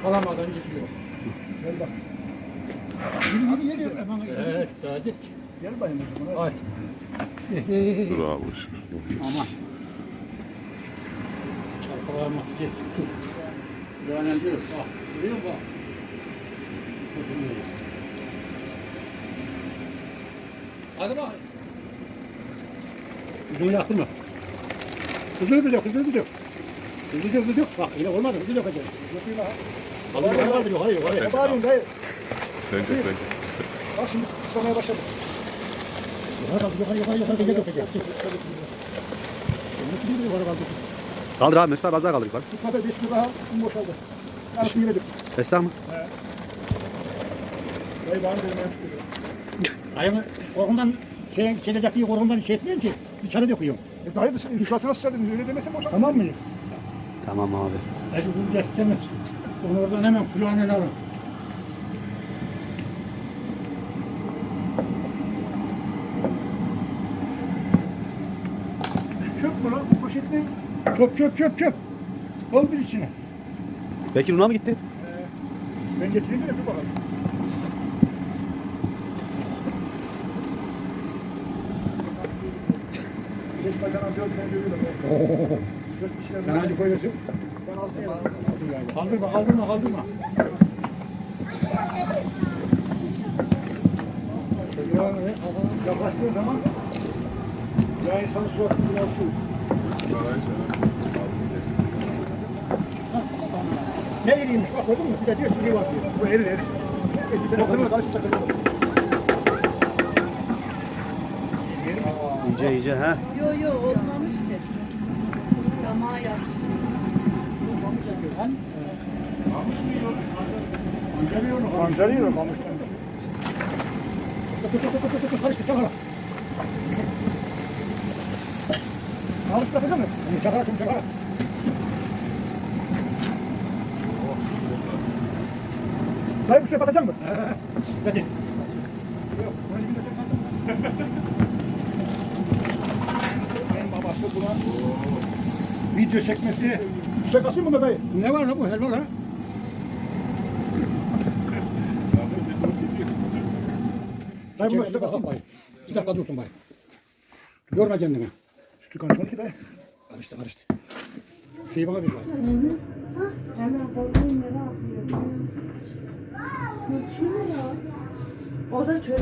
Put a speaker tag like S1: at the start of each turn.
S1: yakalamadan gidiyor.
S2: Gel bak.
S1: Yürü. Evet, hadi.
S2: Gel bayım.
S1: Ay.
S3: Bravo.
S1: Aman. Çarpılaması kesik dur. Yani dur. Bak. Görüyor musun? Bak. Hadi bak.
S2: Yüzünü yaktırma. Hızlı dök. Hızlı dök. Bak yine olmadı. Hızlı dökeceğim. Döküyor ha. Yukarı yukarı. Ne bağırıyorsun dayı?
S3: Sence.
S2: Bak şimdi tutmaya başladı. Yukarı dökeceğim.
S4: Kaldır abi Mesut abi az daha kaldır yukarı.
S2: Bu kadar 5 kilo daha boşaldı. Yarısını yine dök.
S4: Esnaf mı?
S2: Dayı bana dedim ben tutuyorum. Dayımı korkumdan şey edecek diye korkumdan şey etmiyorsun ki. İçeri döküyorum. Dayı da inflatına sıçradın. Öyle demese boşaldı. Tamam mıyız?
S4: Tamam abi.
S1: Hadi bunu geçseniz. Onu oradan hemen kulağına alın.
S2: Çöp mü lan? Poşetli.
S1: Çöp. Doldur içine.
S4: Bekir Un'a mı gitti?
S2: Ben getireyim de bir bakalım. Geç bacana 4 tane görüyorlar. 4 kişiler.
S1: Sen hadi koyuyorsun.
S2: Ben 6 yapayım.
S1: Kaldırma.
S2: Yaklaştığı zaman ya insanın suratını bulaşıyor. Ne eriymiş bak gördün mü? Bir de diyor ki var diyor. Bu erir. Bir tane bakın karşı takılıyor.
S4: İyice ha.
S5: Yo olmamış ki. Yamağa yaptım.
S2: Pancarıyor kamıştan. Karıştı çakala. Karıştı yapacak mı? Çakala. Dayı bu suya batacak mı? Hadi. Yok. En babası buna video çekmesi. Suya kaçayım mı dayı?
S1: Ne var lan bu helva lan?
S2: Dayı buna suya kaçayım.
S1: Bir dakika dursun bay. Yorma kendini.
S2: Sütü konuşmadı ki dayı.
S1: Karıştı. Şeyi bana ver bay.
S5: Hemen babam merak ediyor. Şu ne ya? O da çocuk.